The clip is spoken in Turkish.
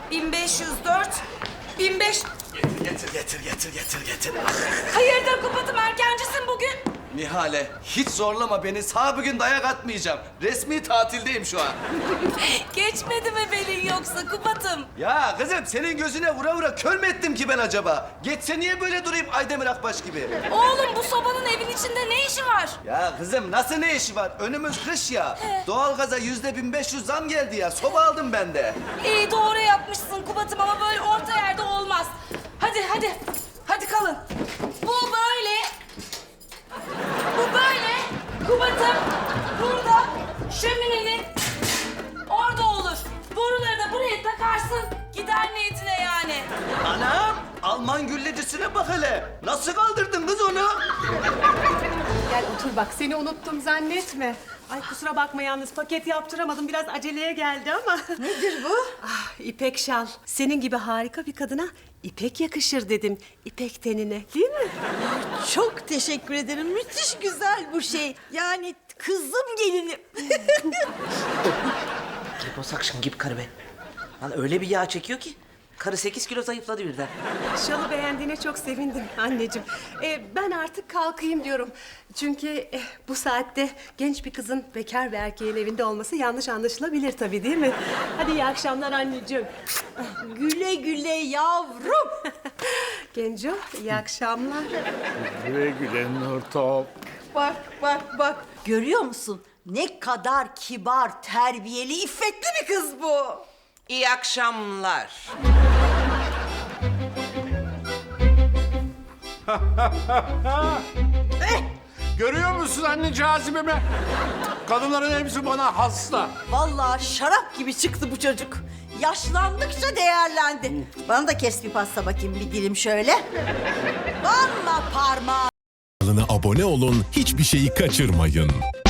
1504, 1500... Getir. Hayırdır Kubat'ım, erkencisin bugün? Nihale, hiç zorlama beni. Sağ bugün dayak atmayacağım. Resmi tatildeyim şu an. Geçmedi mi belin yoksa Kubat'ım? Ya kızım, senin gözüne vura vura kör mü ettim ki ben acaba? Geçse niye böyle durayım Aydemir Akbaş gibi? Oğlum bu sobanın evin içinde ne işi var? Ya kızım, nasıl ne işi var? Önümüz kış ya. Doğalgaza %1500 zam geldi ya. Soba aldım ben de. İyi doğru yapmışsın Kubat'ım ama böyle orta yerde olmaz. Hadi kalın. Bu böyle. Kubat'ım burada şöminenin orada olur. Boruları da buraya takarsın. Gider niyetine yani. Anam, Alman güllecisine bak hele. Nasıl kaldırdın kız onu? Gel otur bak, seni unuttum zannetme. Ay kusura bakma yalnız, paket yaptıramadım. Biraz aceleye geldi ama. Nedir bu? Ah, ipek şal. Senin gibi harika bir kadına ipek yakışır dedim. İpek tenine, değil mi? Çok teşekkür ederim. Müthiş güzel bu şey. Yani kızım gelinim. Liposuction gibi karı be. Lan öyle bir yağ çekiyor ki. Karı 8 kilo zayıfladı birden. Şalı beğendiğine çok sevindim anneciğim. Ben artık kalkayım diyorum. Çünkü bu saatte genç bir kızın bekar bir erkeğin evinde olması yanlış anlaşılabilir tabii, değil mi? Hadi iyi akşamlar anneciğim. Güle güle yavrum. Genco, iyi akşamlar. Güle güle Nurtop. Bak. Görüyor musun? Ne kadar kibar, terbiyeli, iffetli bir kız bu. İyi akşamlar. Görüyor musun anne cazibemi? Kadınların hepsi bana hasta. Vallahi şarap gibi çıktı bu çocuk. Yaşlandıkça değerlendi. Bana da kes bir pasta bakayım, bir dilim şöyle. Vallahi parmağı. Kanalına abone olun, hiçbir şeyi kaçırmayın.